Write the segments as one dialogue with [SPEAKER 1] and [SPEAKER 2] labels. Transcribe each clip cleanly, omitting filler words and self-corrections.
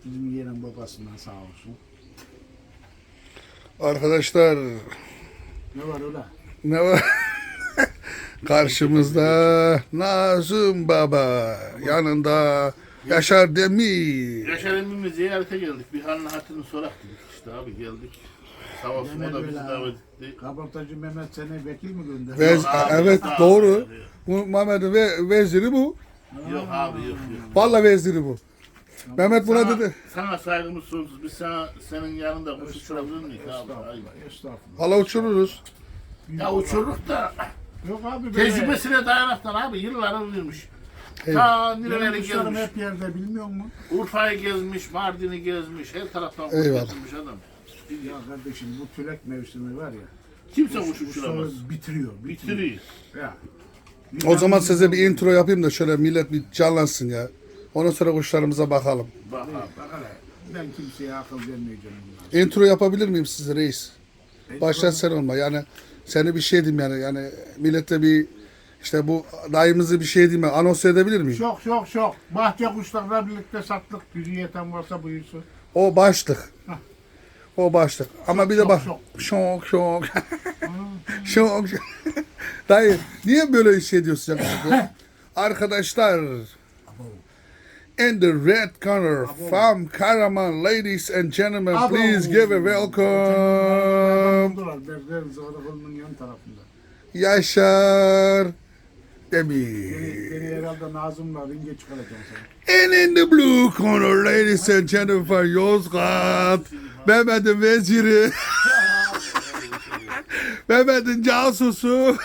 [SPEAKER 1] bizim yeğenin babasından sağ olsun.
[SPEAKER 2] Arkadaşlar
[SPEAKER 1] Ne var öyle?
[SPEAKER 2] ne var? Karşımızda Nazım Baba, yanında Yaşar Demir.
[SPEAKER 3] Yaşar emmimi ziyarete geldik. Bir halini hatırını sorak dedik işte abi geldik. Sağ olsun o da bizi davet etti.
[SPEAKER 1] Kabartacı Mehmet seni vekil mi gönderdi?
[SPEAKER 2] Vez,
[SPEAKER 3] abi,
[SPEAKER 2] evet
[SPEAKER 3] yok,
[SPEAKER 2] doğru.
[SPEAKER 3] abi.
[SPEAKER 2] Bu Mehmet'in veziri bu.
[SPEAKER 3] Yok abi yok.
[SPEAKER 2] Vallahi veziri bu. Mehmet buna
[SPEAKER 3] Sana,
[SPEAKER 2] dedi.
[SPEAKER 3] sana saygımız sonsuz. Biz senin yanında kuş uçurabilir miyiz abi?
[SPEAKER 1] Estağfurullah.
[SPEAKER 3] Ayıp.
[SPEAKER 1] Estağfurullah.
[SPEAKER 2] Valla uçururuz.
[SPEAKER 3] Ya uçurduk da
[SPEAKER 1] Yok abi böyle.
[SPEAKER 3] tecrübesine dayanaktan abi yıllar vermiş.
[SPEAKER 2] Evet.
[SPEAKER 3] Ta
[SPEAKER 1] Benim
[SPEAKER 3] nereleri
[SPEAKER 1] kuşlarım
[SPEAKER 3] gezmiş.
[SPEAKER 1] hep yerde bilmiyor musun?
[SPEAKER 3] Urfa'yı gezmiş, Mardin'i gezmiş, her taraftan kuş
[SPEAKER 2] Eyvallah.
[SPEAKER 3] getirmiş adam.
[SPEAKER 1] Ya kardeşim bu tülek mevsimi var ya.
[SPEAKER 3] Kimse
[SPEAKER 1] kuş-
[SPEAKER 3] kuş uçuramaz.
[SPEAKER 1] kuşları bitiriyor.
[SPEAKER 3] Bitiriyor.
[SPEAKER 1] Ya.
[SPEAKER 2] O zaman size bir intro yapayım da şöyle millet bir canlansın ya. Ondan sonra kuşlarımıza bakalım.
[SPEAKER 3] Bak abi.
[SPEAKER 1] Bak hele, ben kimseye akıl vermeyeceğim.
[SPEAKER 2] Intro yapabilir miyim size reis? Başlat sen olma. Yani seni bir şey diyeyim yani millete bir işte bu dayımızı bir şey diyeyim ben. Anons edebilir miyim?
[SPEAKER 1] Çok. Bahçe kuşlarla birlikte sattık. Gücü yeten varsa buyursun.
[SPEAKER 2] O başlık. O başlık. Ama bir de bak.
[SPEAKER 1] şok.
[SPEAKER 2] Şok. Şok. Dayı niye böyle şey diyorsun ya? Arkadaşlar. In the red corner from Karaman, ladies and gentlemen,
[SPEAKER 1] Abo.
[SPEAKER 2] please give a welcome.
[SPEAKER 1] Berber Zağdakoğlu'nun yan tarafında.
[SPEAKER 2] Yaşar Demir.
[SPEAKER 1] Beni herhalde Nazım'la ringe çıkaracağım sen.
[SPEAKER 2] And in the blue corner, ladies and gentlemen, Yozgat, Mehmet'in veziri, Mehmet'in casusu,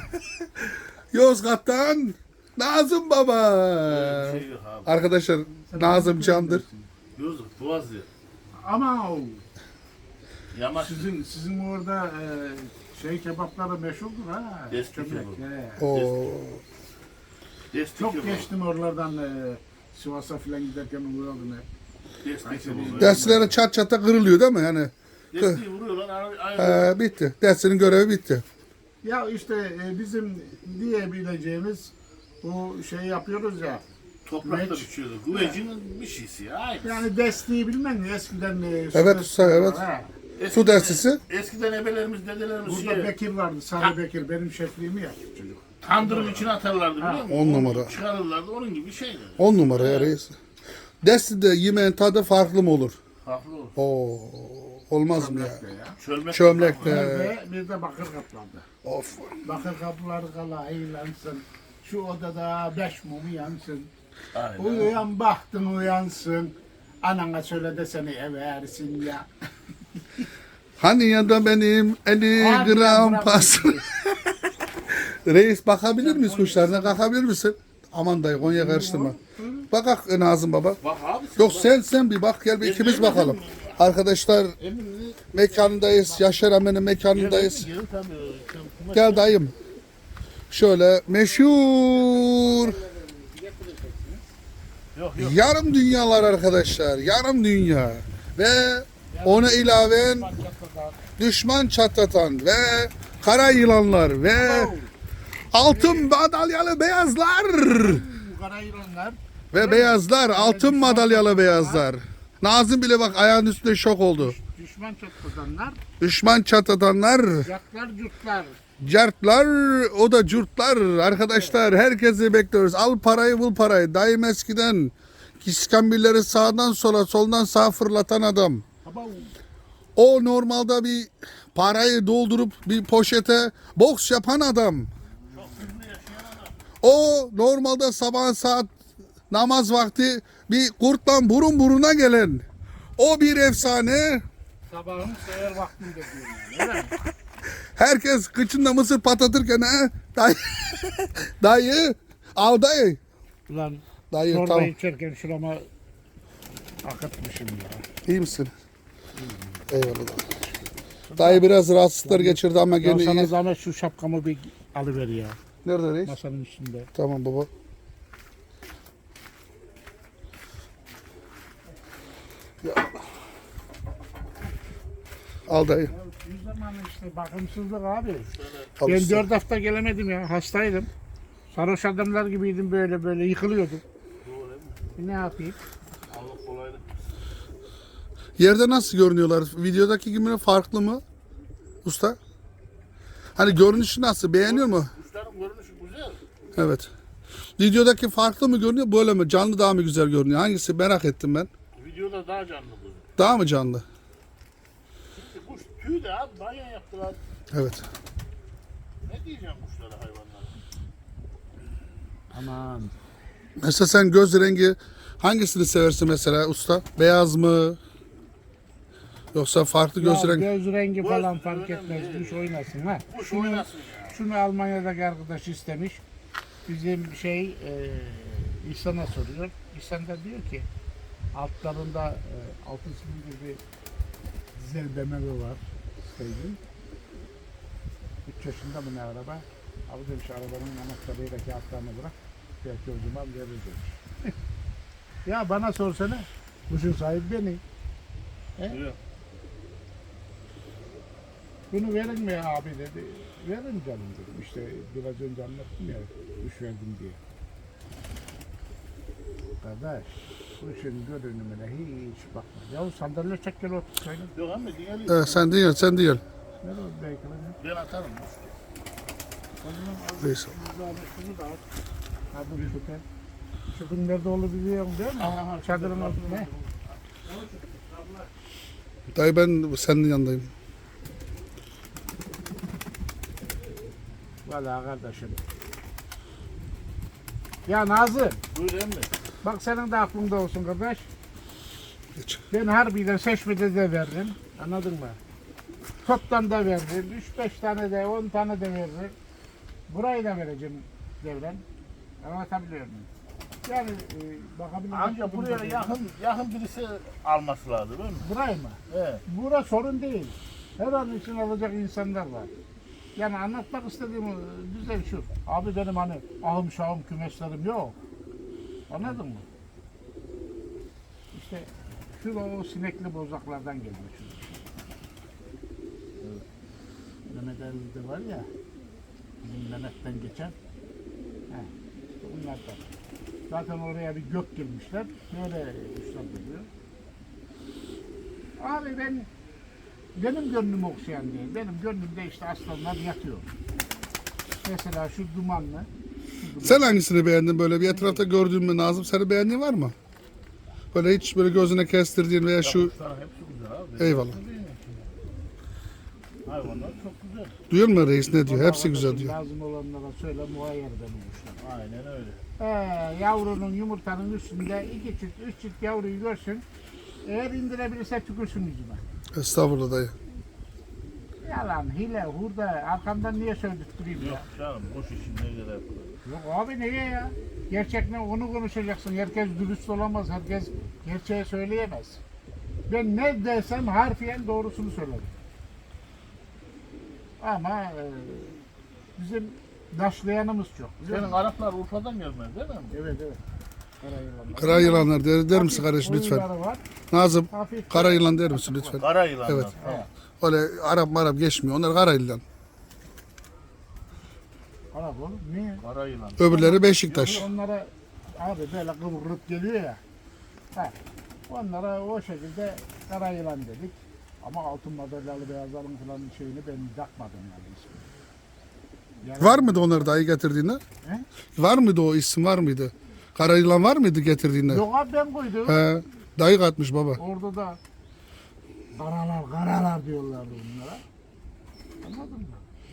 [SPEAKER 2] Yozgat'tan Nazım Baba.
[SPEAKER 3] Bir şey yok abi.
[SPEAKER 2] Arkadaşlar Nazım candır.
[SPEAKER 3] Yozgat, Boğazı.
[SPEAKER 1] Ama o,
[SPEAKER 3] Yamaç.
[SPEAKER 1] sizin orada şey kebapları meşhurdur ha.
[SPEAKER 3] Eski
[SPEAKER 1] Kömek,
[SPEAKER 3] kebap.
[SPEAKER 1] he.
[SPEAKER 2] O
[SPEAKER 3] Destek
[SPEAKER 1] Çok
[SPEAKER 3] yok.
[SPEAKER 1] geçtim oralardan Sivas'a falan giderken uğradım hep.
[SPEAKER 3] Destek yok.
[SPEAKER 2] derslere çat çata kırılıyor değil mi? Yani
[SPEAKER 3] Desteği vuruyorlar. Ayrı.
[SPEAKER 2] bitti. Dersinin görevi bitti.
[SPEAKER 1] Ya işte bizim diyebileceğimiz bu şey yapıyoruz ya.
[SPEAKER 3] Toprakta
[SPEAKER 1] Güveç.
[SPEAKER 3] biçiyordu. Güvecinin bir şeysi ya. Aynı.
[SPEAKER 1] Yani desteği bilmem ne eskiden
[SPEAKER 2] Evet,
[SPEAKER 1] desteği
[SPEAKER 2] evet.
[SPEAKER 1] var, ha.
[SPEAKER 2] Su destesi.
[SPEAKER 3] Eskiden ebelerimiz, dedelerimiz
[SPEAKER 1] Burada Bekir vardı, Sarı Bekir benim şefliğimi yaptı çocuk.
[SPEAKER 3] tandırın içine atarlardı biliyor musun?
[SPEAKER 2] 10 numara.
[SPEAKER 3] Çıkarırlardı onun gibi şeyler.
[SPEAKER 2] 10 numara ya reis. Destide yemeğin tadı farklı mı olur?
[SPEAKER 3] Farklı olur.
[SPEAKER 2] Oo, olmaz mı ya?
[SPEAKER 1] Çömlekte ya.
[SPEAKER 3] Çölmek.
[SPEAKER 2] Çömlekte.
[SPEAKER 1] Ve bir de bakır kaplandı.
[SPEAKER 2] Of.
[SPEAKER 1] Bakır kapıları kala eğlensin. Şu odada 5 mumu yansın.
[SPEAKER 3] Aynen.
[SPEAKER 1] Uyuyan bahtın uyansın. Anana söyle de seni eversin ya.
[SPEAKER 2] Hani ya da benim 50
[SPEAKER 1] Hadi
[SPEAKER 2] gram
[SPEAKER 1] bırak
[SPEAKER 2] pas.
[SPEAKER 1] bizi.
[SPEAKER 2] Reis bakabilir miyiz kuşlarına? Kalkabilir misin? Aman dayı Konya karıştırma. Bakak Nazım Baba.
[SPEAKER 3] Bak abi
[SPEAKER 2] Yok sen bir bak gel bir ikimiz bakalım. Arkadaşlar
[SPEAKER 3] Emin'in
[SPEAKER 2] mekanındayız. Yaşar Amen'in mekanındayız.
[SPEAKER 3] Gelin tabii.
[SPEAKER 2] Gel dayım. Şöyle meşhur
[SPEAKER 3] Yok
[SPEAKER 2] yarım dünyalar arkadaşlar. Yarım dünya. Ve ona ilaven düşman çatlatan ve kara yılanlar ve altın madalyalı beyazlar
[SPEAKER 1] Kara yılanlar.
[SPEAKER 2] ve beyazlar altın madalyalı beyazlar. Nazım bile bak ayağın üstünde şok oldu.
[SPEAKER 1] Düşman çatlatanlar.
[SPEAKER 2] Düşman çatlatanlar,
[SPEAKER 1] Yatlar cutlar.
[SPEAKER 2] cartlar, o da curtlar. Arkadaşlar herkesi bekliyoruz. Al parayı bul parayı. Dayım eskiden iskambilleri sağdan sola soldan sağa fırlatan adam.
[SPEAKER 1] Ama
[SPEAKER 2] O normalde bir parayı doldurup bir poşete boks yapan adam. O normalde sabah saat namaz vakti bir kurtla burun buruna gelen. O bir efsane.
[SPEAKER 1] sabahın seher vaktinde diyorum yani. Öyle mi?
[SPEAKER 2] Herkes kıçında mısır patlatırken ha dayı, dayı al dayı.
[SPEAKER 1] Ulan
[SPEAKER 2] Dayı
[SPEAKER 1] çorba
[SPEAKER 2] tamam.
[SPEAKER 1] içerken şurama akıtmışım ya.
[SPEAKER 2] İyi misin? Eyvallah. Dayı biraz rahatsızlıklar geçirdi ama
[SPEAKER 1] Ya
[SPEAKER 2] gene
[SPEAKER 1] sana
[SPEAKER 2] iyi.
[SPEAKER 1] zahmet şu şapkamı bir alıver ya.
[SPEAKER 2] Nerede reis?
[SPEAKER 1] Masanın üstünde.
[SPEAKER 2] Tamam baba. Ya. Al dayı.
[SPEAKER 1] Bir zaman işte bakımsızlık abi.
[SPEAKER 2] Al
[SPEAKER 1] Ben
[SPEAKER 2] işte.
[SPEAKER 1] 4 hafta gelemedim ya. Hastaydım. Sarhoş adamlar gibiydim böyle yıkılıyordum. Ne yapayım?
[SPEAKER 3] Allah kolaylık.
[SPEAKER 2] Yerde nasıl görünüyorlar? Videodaki gibi mi, farklı mı? Usta? Hani görünüşü nasıl? Beğeniyor mu?
[SPEAKER 3] Kuşların görünüşü güzel.
[SPEAKER 2] Evet. Videodaki farklı mı görünüyor, böyle mi? Canlı daha mı güzel görünüyor? Hangisi merak ettim ben.
[SPEAKER 3] Videoda daha canlı bu.
[SPEAKER 2] Daha mı canlı?
[SPEAKER 3] Şimdi kuş tüy de abi banyo yaptılar.
[SPEAKER 2] Evet.
[SPEAKER 3] Ne diyeceğim kuşlara, hayvanlara?
[SPEAKER 1] Aman.
[SPEAKER 2] Mesela sen göz rengi hangisini seversin mesela usta? Beyaz mı? Yoksa farklı göz
[SPEAKER 1] Ya
[SPEAKER 2] rengi?
[SPEAKER 1] göz rengi
[SPEAKER 3] Göz
[SPEAKER 1] falan fark
[SPEAKER 3] önemli
[SPEAKER 1] etmez.
[SPEAKER 3] değil.
[SPEAKER 1] Kuş oynasın ha.
[SPEAKER 3] Kuş oynasın ya.
[SPEAKER 1] Şunu Almanya'daki arkadaş istemiş. Bizim İhsan'a soruyor. İhsan da diyor ki altlarında 6 silindir bir dizel demeli var. Sevdim. 3 yaşında mı ne araba? Abi demiş arabanın anahtarıyla kağıtlarını bırak. Belki o zaman verir demiş. Ya bana sorsana. Kuşun sahibi benim.
[SPEAKER 3] Duyuyor.
[SPEAKER 1] Bunu verin mi abi dedi. Verin canım dedim. İşte biraz önce anlattım ya. Kuş verdim diye. Kardeş, kuşun görünümüne hiç bakma. Yahu sandalye çek gel otur söyle.
[SPEAKER 3] Yok ama diğer
[SPEAKER 2] Evet, sen değil, sen değil.
[SPEAKER 1] Nerede o belki lan?
[SPEAKER 3] ben atarım.
[SPEAKER 1] O zaman al
[SPEAKER 2] Neyse.
[SPEAKER 1] şunu da al. Ha bu süper. Şunun nerede olduğunu biliyorum değil mi? Çadırın altında. Ne?
[SPEAKER 2] Dayı ben senin yanındayım.
[SPEAKER 1] Valla kardeşim. Ya Nazım,
[SPEAKER 3] Buyur emmi.
[SPEAKER 1] bak senin de aklında olsun kardeş.
[SPEAKER 2] Geç.
[SPEAKER 1] Ben Harbi'de, Seçme'de de verdim. Anladın mı? Toptan da verdim. 3-5 tane de, 10 tane de verdim. Burayı da vereceğim devren. Anlatabiliyor muyum? Yani bakabilir
[SPEAKER 3] Anca buraya yakın birisi alması lazım değil mi?
[SPEAKER 1] Burayı mı?
[SPEAKER 3] Evet.
[SPEAKER 1] Bura sorun değil. Her an için alacak insanlar var. Yani anlatmak istediğim düzey şu. Abi benim hani ahım şahım kümeslerim yok. Anladın mı? İşte şu o sinekli bozaklardan geliyor şu. Evet. Mehmet Ali'de var ya, bizim Mehmet'ten geçen. Heh, işte bunlardan. Zaten oraya bir gök girmişler. Böyle kuşlar geliyor. Abi benim gönlüm okşayan değil. Benim gönlümde işte aslanlar yatıyor. Mesela şu dumanlı.
[SPEAKER 2] Sen hangisini beğendin böyle bir etrafta gördüğün mü Nazım? Seni beğendiğin var mı? Böyle hiç böyle gözüne kestirdiğin veya şu...
[SPEAKER 3] Kuşların hepsi güzel abi.
[SPEAKER 2] Eyvallah.
[SPEAKER 3] Hayvanlar çok güzel.
[SPEAKER 2] Duyuyor musun reis ne diyor? Hepsi güzel diyor.
[SPEAKER 1] Lazım olanlara söyle muayyer benim kuşlar.
[SPEAKER 3] Aynen öyle.
[SPEAKER 1] Yavrunun yumurtanın üstünde 2 çift 3 çift yavruyu görsün. Eğer indirebilirse tükürsün yüzüme.
[SPEAKER 2] Estağfurullah dayı.
[SPEAKER 1] Yalan, hile, hurda. Arkamdan niye sövdürtüreyim
[SPEAKER 3] Yok
[SPEAKER 1] ya?
[SPEAKER 3] canım boş işin ne kadar yapılır.
[SPEAKER 1] Yok abi neye ya? Gerçekten onu konuşacaksın. Herkes dürüst olamaz. Herkes gerçeği söyleyemez. Ben ne desem harfiyen doğrusunu söylerim. Ama bizim daşlayanımız çok.
[SPEAKER 3] Senin Araplar Urfa'dan gelmez değil mi?
[SPEAKER 1] Evet evet. Karayılanlar.
[SPEAKER 2] Kara yılanlar der misin
[SPEAKER 1] Hafif
[SPEAKER 2] kardeş lütfen?
[SPEAKER 1] oyunları var.
[SPEAKER 2] Nazım
[SPEAKER 1] Hafif.
[SPEAKER 2] kara yılan der misin lütfen?
[SPEAKER 3] Kara yılanlar.
[SPEAKER 2] Evet.
[SPEAKER 3] Ha.
[SPEAKER 2] Öyle Arap marap geçmiyor. Onlar kara yılan.
[SPEAKER 1] Arap oğlum. Niye?
[SPEAKER 3] Kara yılan.
[SPEAKER 2] Öbürleri Beşiktaş.
[SPEAKER 1] Onlara abi böyle kıvırıp geliyor ya. Ha. Onlara o şekilde kara yılan dedik. Ama altın madalyalı beyazların falan şeyini ben takmadım yani ismini. Yani,
[SPEAKER 2] Var mıydı onları dayı getirdiğinde?
[SPEAKER 1] He?
[SPEAKER 2] Var mıydı o isim var mıydı? Kara yılan var mıydı getirdiğinde?
[SPEAKER 1] Yok abi ben koydum.
[SPEAKER 2] He, dayı katmış baba.
[SPEAKER 1] Orada da karalar diyorlardı bunlara. Anladın mı?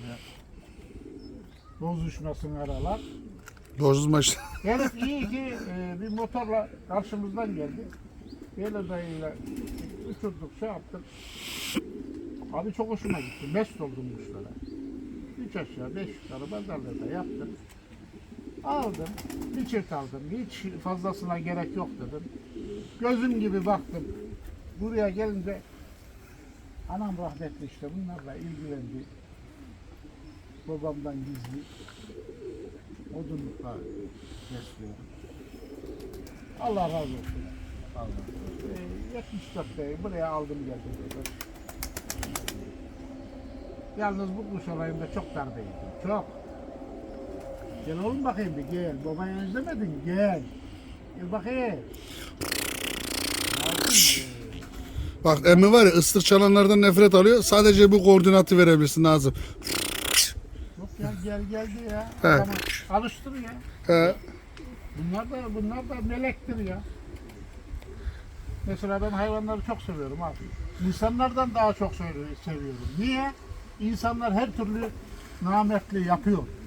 [SPEAKER 1] Bozuşmasın aralar.
[SPEAKER 2] Bozulma işte.
[SPEAKER 1] Herif iyi ki bir motorla karşımızdan geldi. Böyle dayıyla uçurduk şey yaptık. Abi çok hoşuma gitti. Mest oldum kuşlara. 3 aşağı 5 yukarı pazarlarda yaptım. Aldım. Bir çift aldım. Hiç fazlasına gerek yok dedim. Gözüm gibi baktım. Buraya gelince anam rahmetli işte bunlarla ilgilendi. Babamdan gizli. Odunlukla besliyorum. Allah razı olsun. Allah. 74'te buraya aldım geldim. Dedi. Yalnız bu kuş olayında çok darbeydim. Çok. Gel oğlum bakayım bir gel. Babayı özlemedin gel. Gel bakayım. Aldın mı?
[SPEAKER 2] Bak emmi var ya ıslık çalanlardan nefret alıyor. Sadece bu koordinatı verebilirsin Nazım.
[SPEAKER 1] Yok ya gel diye ya.
[SPEAKER 2] He.
[SPEAKER 1] Adamı alıştır ya.
[SPEAKER 2] He.
[SPEAKER 1] Bunlar da melektir ya. Mesela ben hayvanları çok seviyorum abi. İnsanlardan daha çok seviyorum. Niye? İnsanlar her türlü namertliği yapıyor.